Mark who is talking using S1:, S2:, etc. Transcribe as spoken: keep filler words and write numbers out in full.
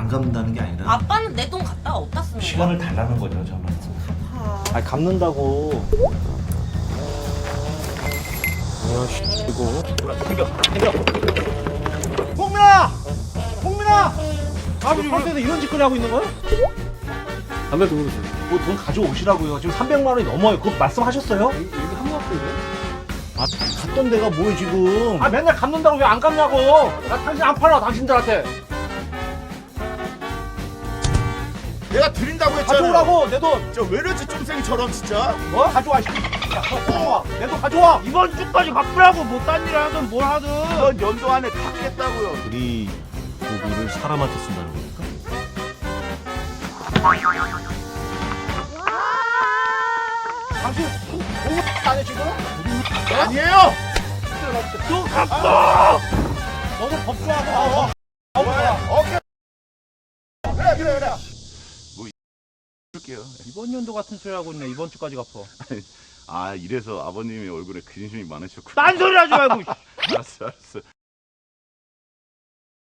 S1: 안 갚는다는 게 아니라
S2: 아빠는 내 돈 갖다가 어디다 쓰는 거야?
S1: 시간을 달라는 거죠, 저는.
S2: 아,
S3: 아니 갚는다고. 아씨 이거.
S4: 홍민아! 홍민아! 아버지 올 때도 이런 짓거리 하고 있는 거야?
S3: 담배 두르세요.
S4: 뭐 돈 가져오시라고요. 지금 삼백만 원이 넘어요. 그거 말씀하셨어요?
S3: 여기 한국 학생이에요?
S4: 아, 갔던 데가 뭐예요, 지금?
S3: 아 맨날 갚는다고 왜 안 갚냐고. 나 당신 안 팔아 당신들한테.
S5: 내가 드린다고 했잖아.
S4: 가져오라고 내 돈.
S5: 저 왜 이러지 쫌생이처럼 진짜.
S4: 뭐? 가져와. 씨. 야, 가져와. 내 돈 가져와.
S3: 이번 주까지 갚으라고 뭐 딴 일 하든 뭘 하든.
S5: 이번 연도 안에 갚겠다고요.
S1: 우리 고기를 사람한테 쓴다는 겁니까?
S4: 당신 공부 안 해, 지금?
S5: 아니에요.
S3: 또 갚아.
S4: 너도 법조하고. 어, 어, 뭐야?
S5: 오케이. 그래 그래 그래. 뭐 줄게요.
S4: 이번 연도 같은 소리 하고 있네. 이번 주까지 갚어.
S5: 아 이래서 아버님이 얼굴에 근심이 많으셨구나.
S3: 딴 소리 하지 말고.
S5: 알았어 알았어.